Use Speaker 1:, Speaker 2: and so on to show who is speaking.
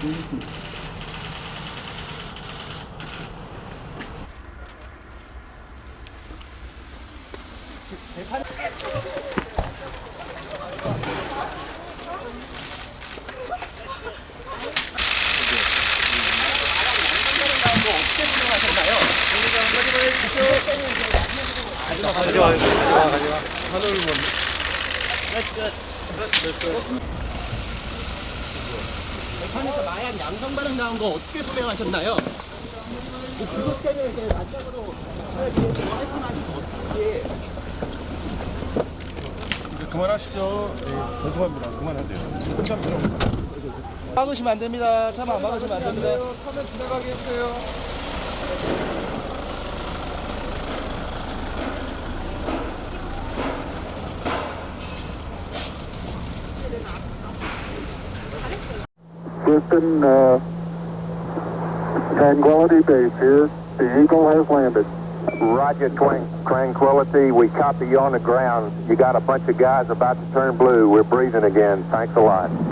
Speaker 1: 재판에서 마약 양성 반응 나온 거 어떻게 소명하셨나요? 그것 때문에 마지막으로 말씀하신 거 어떻게?
Speaker 2: 이제 그만하시죠. 네, 죄송합니다. 그만하세요. 끝납니다.
Speaker 1: 막으시면 안 됩니다. 차만 안 막으시면 안 됩니다.
Speaker 2: 차면 지나가게 해주세요.
Speaker 3: Houston, Tranquility Base here. The Eagle has landed.
Speaker 4: Roger, Tranquility. We copy you on the ground. You got a bunch of guys about to turn blue. We're breathing again. Thanks a lot.